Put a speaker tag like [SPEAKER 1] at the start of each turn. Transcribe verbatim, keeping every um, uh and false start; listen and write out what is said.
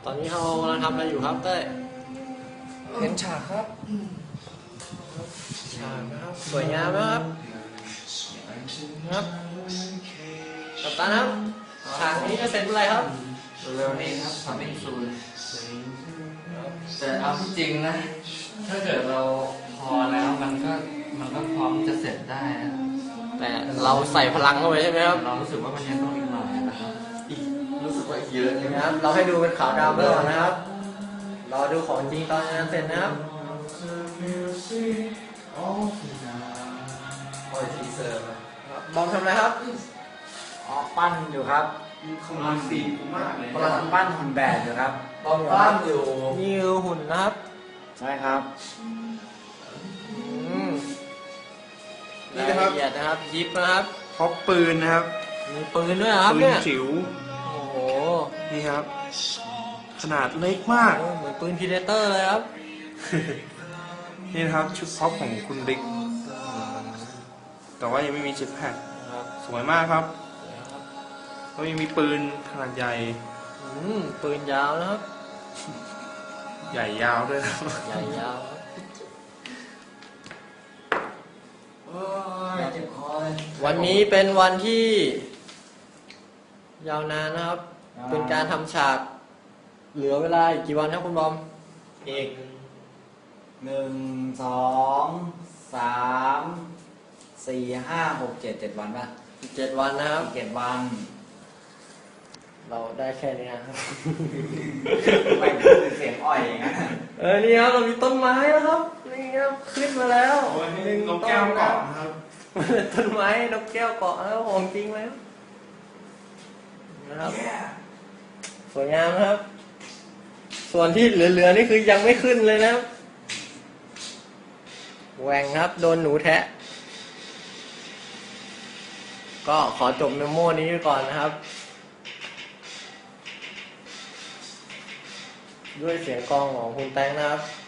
[SPEAKER 1] ตอนนี้เรากำลังทำอะไรอยู่ครับเต้ย
[SPEAKER 2] เห็นฉากครับ
[SPEAKER 1] ฉากนะครับสวยงามนะครับครับกัปตันครับฉากนี้จะเสร็จเมื่อไหร่ครับ
[SPEAKER 2] เร็วๆนี้ครับ coming soon แต่เอาที่จริงนะ ถ้าเกิดเราพอแล้วมันก็มันก็พร้อมจะเสร็จได้นะ
[SPEAKER 1] แต่เราใส่พลังเข้าไปใช่ไหมครับ
[SPEAKER 2] เรารู้สึกว่ามันยังต้องอีกหน่อยนะครับอีกรู้สึกว่าอีกเยอะเลย
[SPEAKER 1] นะ
[SPEAKER 2] นะ
[SPEAKER 1] ครับ เราให้ดูเป็นขาวดำไปก่อนนะครับรอดูของจริงตอนงานเสร็จนะครับ
[SPEAKER 2] โอ้ยทีเซอร์นะ
[SPEAKER 1] บอมทำอะไรครับ
[SPEAKER 3] อ๋อปั้นอยู่ครับ
[SPEAKER 2] คำนวณสีมากเลย
[SPEAKER 3] กำลังปั้นหุ่นแบบอยู่ครับ
[SPEAKER 2] บอมบ้านอยู่
[SPEAKER 1] นี่คือหุ่นนะครับ
[SPEAKER 3] ใช่ครับ
[SPEAKER 1] อืม
[SPEAKER 4] นี่นะครับ
[SPEAKER 1] ายละเอียดนะครับยิบนะครับ
[SPEAKER 4] พกปืนนะครับ
[SPEAKER 1] มีปืนด้วยนะครับ
[SPEAKER 4] ปืน
[SPEAKER 1] เนี่ย
[SPEAKER 4] จิ๋ว
[SPEAKER 1] โอ้โห
[SPEAKER 4] นี่ครับ ขนาดเล็กมาก
[SPEAKER 1] โอ้เหมือนปืนพีเดเตอร์เลยครับ
[SPEAKER 4] นี่นะครับชุดพ็อปของคุณบิ๊กแต่ว่ายังไม่มีเจ็ตแพ็คสวยมากครับแล้วยังมีปืนขนาดใหญ่
[SPEAKER 1] อืมปืนยาวนะครับ
[SPEAKER 4] ใหญ่ยาวด้วยนะครับ
[SPEAKER 1] ใหญ่ยาวครับ
[SPEAKER 2] โอ้ยเจ็บคอเลย
[SPEAKER 1] วันนี้เป็นวันที่ ยาวนานนะครับ
[SPEAKER 3] อ่า
[SPEAKER 1] เป็นการทำฉาก เหลือเวลาอีกกี่วันครับคุณบอม
[SPEAKER 3] อีกหนึ่งสองสามสี่ห้าหกเจ็ดเจ็ดวันป่ะ
[SPEAKER 1] อีกเจ็ดวันนะครับ
[SPEAKER 3] อีกเจ็ดวัน
[SPEAKER 1] เราได้แค่นี้ครับ
[SPEAKER 3] ไม่คือเสียงอ่อยอย่างนั้น
[SPEAKER 1] เออนี่ครับเรามีต้นไม้แล้วครับนี่ครับขึ้นมาแล้ว หนึ่ง
[SPEAKER 4] นกแก้วเกาะนะครับ
[SPEAKER 1] ต้นไม้นกแก้วเกาะแล้วของจริงแล้วนะครับสวยงามนะครับ ส่วนที่เหลือๆนี่คือยังไม่ขึ้นเลยนะครับแหว่งครับโดนหนูแทะ ก็ขอจบเมโมนี้ก่อนนะครับ ด้วยเสียงกลองของคุณแตงนะครับ